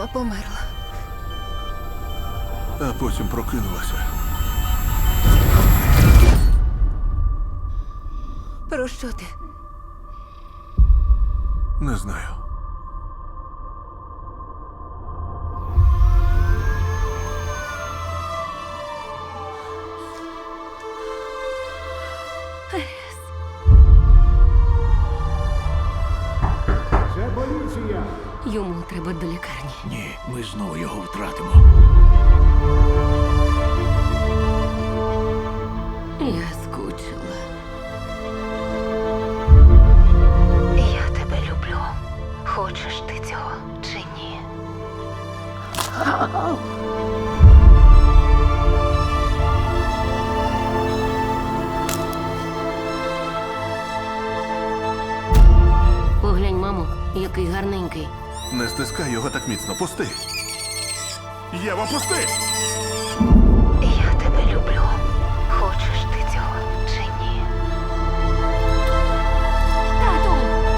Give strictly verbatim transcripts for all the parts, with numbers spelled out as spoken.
померла. А потім прокинулася. Про що ти? Не знаю. Це поліція! Йому треба до лікарні. Ні, ми знову його втратимо. Я скучила. Я тебе люблю. Хочеш ти цього чи ні? Поглянь, мамо, який гарненький. Не стискай його так міцно. Пусти. Єва, пусти! Я тебе люблю. Хочеш ти цього чи ні? Тату!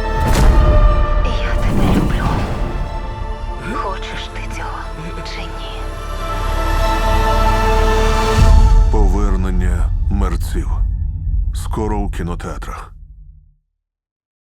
Я тебе люблю. Хочеш ти цього чи ні? Повернення мерців. Скоро у кінотеатрах.